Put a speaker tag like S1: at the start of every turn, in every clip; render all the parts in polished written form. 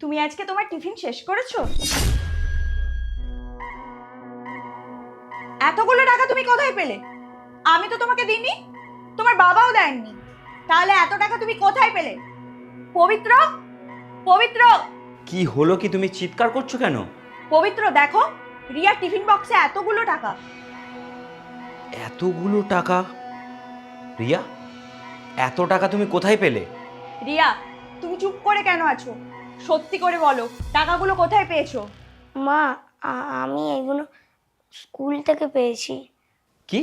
S1: তুমি আজকে তোমার টিফিন শেষ করেছো? এতগুলো টাকা তুমি কোথায় পেলে? আমি তো তোমাকে দিইনি, তোমার বাবাও দেননি, তাহলে এত টাকা তুমি কোথায় পেলে? পবিত্র, পবিত্র,
S2: কি হলো? কি তুমি চিৎকার করছো কেন?
S1: পবিত্র দেখো, রিয়ার টিফিন বক্সে এতগুলো টাকা।
S2: এতগুলো টাকা? রিয়া, এত টাকা তুমি কোথায় পেলে?
S1: রিয়া, তুমি চুপ করে কেন আছো? সত্যি করে বলো, টাকাগুলো কোথায় পেয়েছো?
S3: মা, আমি এগুলো স্কুল থেকে পেয়েছি।
S2: কি,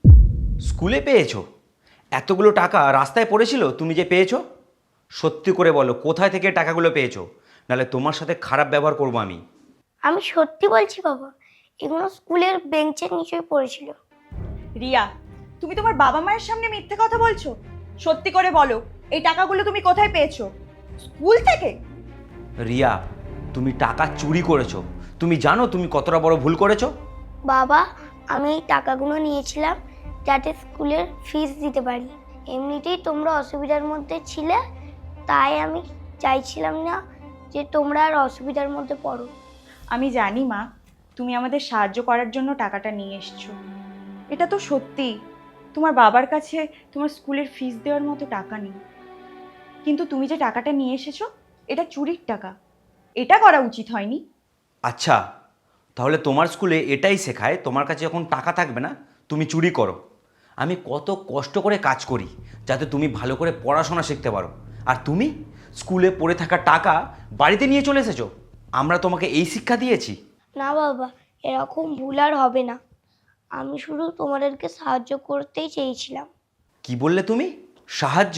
S2: স্কুলে পেয়েছো? এতগুলো টাকা রাস্তায় পড়েছিল তুমি যে পেয়েছো? সত্যি করে বলো, কোথায় থেকে টাকাগুলো পেয়েছো? নাহলে তোমার সাথে খারাপ ব্যবহার করবো আমি।
S3: আমি সত্যি বলছি বাবা, এগুলো স্কুলের বেঞ্চের নিচে পড়েছিল।
S1: রিয়া, তুমি তোমার বাবা মায়ের সামনে মিথ্যে কথা বলছো। সত্যি করে বলো, এই টাকাগুলো তুমি কোথায় পেয়েছো? স্কুল থেকে?
S2: রিয়া, তুমি টাকা চুরি করেছো। তুমি জানো তুমি কতটা বড় ভুল করেছো?
S3: বাবা, আমি এই টাকাগুলো নিয়েছিলাম যাতে স্কুলের ফিস দিতে পারি। এমনিতেই তোমরা অসুবিধার মধ্যে ছিলে, তাই আমি চাইছিলাম না যে তোমরা আর অসুবিধার মধ্যে পড়ো।
S1: আমি জানি মা, তুমি আমাদের সাহায্য করার জন্য টাকাটা নিয়ে এসছো। এটা তো সত্যি, তোমার বাবার কাছে তোমার স্কুলের ফিস দেওয়ার মতো টাকা নেই। কিন্তু তুমি যে টাকাটা নিয়ে এসেছো, এটা চুরির টাকা। এটা করা উচিত হয়নি।
S2: আচ্ছা, তাহলে তোমার স্কুলে এটাই শেখায় তোমার কাছে যখন টাকা থাকবে না তুমি চুরি করো। আমি কত কষ্ট করে কাজ করি যাতে তুমি ভালো করে পড়াশোনা শিখতে পারো, আর তুমি স্কুলে পড়ে থাকা টাকা বাড়িতে নিয়ে চলে এসেছো। আমরা তোমাকে এই শিক্ষা দিয়েছি?
S3: না বাবা, এরকম ভুল আর হবে না। আমি শুধু তোমাদেরকে সাহায্য করতেই চেয়েছিলাম।
S2: কি বললে তুমি? সাহায্য?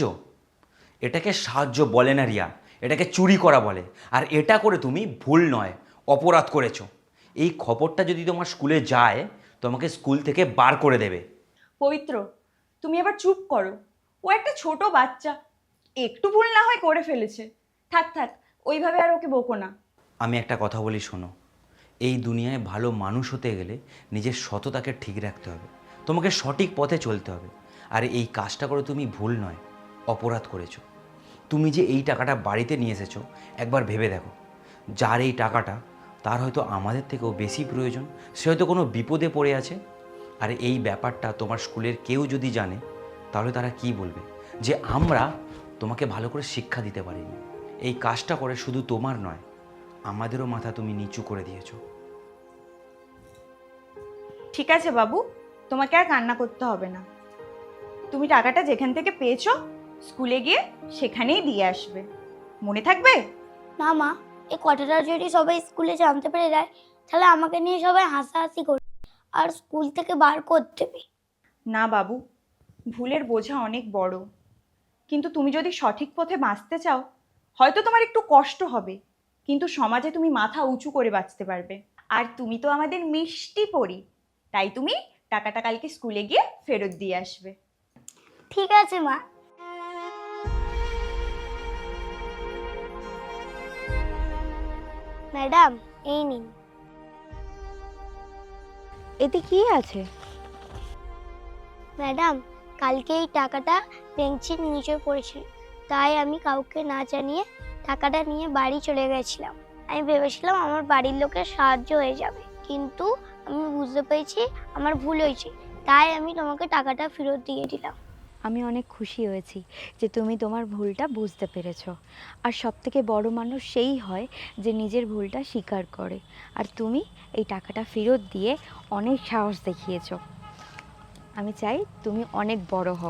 S2: এটাকে সাহায্য বলে না রিয়া, এটাকে চুরি করা বলে। আর এটা করে তুমি ভুল নয়, অপরাধ করেছো। এই খবরটা যদি তোমার স্কুলে যায়, তোমাকে স্কুল থেকে বার করে দেবে।
S1: পবিত্র, তুমি আবার চুপ করো। ও একটা ছোট বাচ্চা, একটু ভুল না হয় করে ফেলেছে। থাক থাক, ওইভাবে আর ওকে বকো না।
S2: আমি একটা কথা বলি, শোনো। এই দুনিয়ায় ভালো মানুষ হতে গেলে নিজের সততাকে ঠিক রাখতে হবে, তোমাকে সঠিক পথে চলতে হবে। আর এই কাজটা করে তুমি ভুল নয়, অপরাধ করেছো। তুমি যে এই টাকাটা বাড়িতে নিয়ে এসেছো, একবার ভেবে দেখো, যার এই টাকাটা তার হয়তো আমাদের থেকেও বেশি প্রয়োজন। সে হয়তো কোনো বিপদে পড়ে আছে। আর এই ব্যাপারটা তোমার স্কুলের কেউ যদি জানে, তাহলে তারা কি বলবে? যে আমরা তোমাকে ভালো করে শিক্ষা দিতে পারিনি। এই কাজটা করে শুধু তোমার নয়, আমাদেরও মাথা তুমি নিচু করে দিয়েছো।
S1: ঠিক আছে বাবু, তোমাকে আর কান্না করতে হবে না। তুমি টাকাটা যেখান থেকে পেয়েছো, স্কুলে গিয়ে সেখানেই দিয়ে আসবে। মনে থাকবে?
S3: না মা, এই কথাটা যদি সবাই স্কুলে জানতে পেরে যায়, তাহলে আমাকে নিয়ে সবাই হাসাহাসি করবে আর স্কুল থেকে বার করে দেবে।
S1: না বাবু, ভুলের বোঝা অনেক বড়, কিন্তু তুমি যদি সঠিক পথে বাঁচতে চাও, হয়তো তোমার একটু কষ্ট হবে, কিন্তু সমাজে তুমি মাথা উঁচু করে বাঁচতে পারবে। আর তুমি তো আমাদের মিষ্টি পড়ি, তাই তুমি টাকাটা কালকে স্কুলে গিয়ে ফেরত দিয়ে আসবে।
S3: ঠিক আছে মা। ম্যাডাম, এই নিন।
S4: এতে কি আছে?
S3: ম্যাডাম, কালকে এই টাকাটা বেঞ্চের নিচে পড়েছিল, তাই আমি কাউকে না জানিয়ে টাকাটা নিয়ে বাড়ি চলে গেছিলাম। আমি ভেবেছিলাম আমার বাড়ির লোকের সাহায্য হয়ে যাবে, কিন্তু আমি বুঝতে পেরেছি আমার ভুল হয়েছে, তাই আমি তোমাকে টাকাটা ফেরত দিয়ে দিলাম।
S4: আমি অনেক খুশি হয়েছি যে তুমি তোমার ভুলটা বুঝতে পেরেছো। আর সবথেকে বড় মানুষ সেই হয় যে নিজের ভুলটা স্বীকার করে। আর তুমি এই টাকাটা ফেরত দিয়ে অনেক সাহস দেখিয়েছো। আমি চাই তুমি অনেক বড় হও।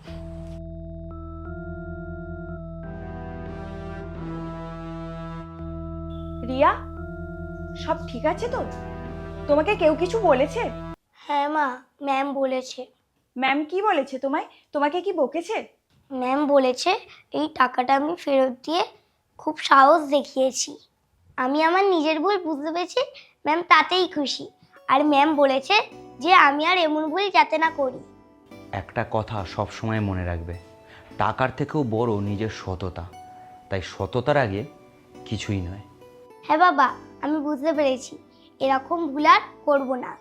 S1: রিয়া, সব ঠিক আছে তো? তোমাকে কেউ কিছু বলেছে?
S3: হ্যাঁ মা, ম্যাম বলেছে।
S1: ম্যাম কি বলেছে তোমায়? তোমাকে কি বকেছে?
S3: ম্যাম বলেছে এই টাকাটা আমি ফেরত দিয়ে খুব সাহস দেখিয়েছি। আমি আমার নিজের ভুল বুঝতে পেরেছি, ম্যাম তাতেই খুশি। আর ম্যাম বলেছে যে আমি আর এমন ভুল যাতে না করি।
S2: একটা কথা সব সময় মনে রাখবে, টাকার থেকেও বড় নিজের সততা। তাই সততার আগে কিছুই নয়।
S3: হ্যাঁ বাবা, আমি বুঝতে পেরেছি, এরকম ভুল আর করবো না।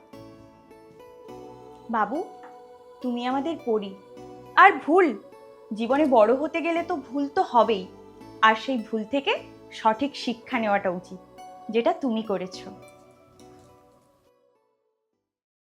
S1: বাবু, তুমি আমাদের পড়ি। আর ভুল, জীবনে বড় হতে গেলে তো ভুল তো হবেই। আর সেই ভুল থেকে সঠিক শিক্ষা নেওয়াটা উচিত, যেটা তুমি করেছো।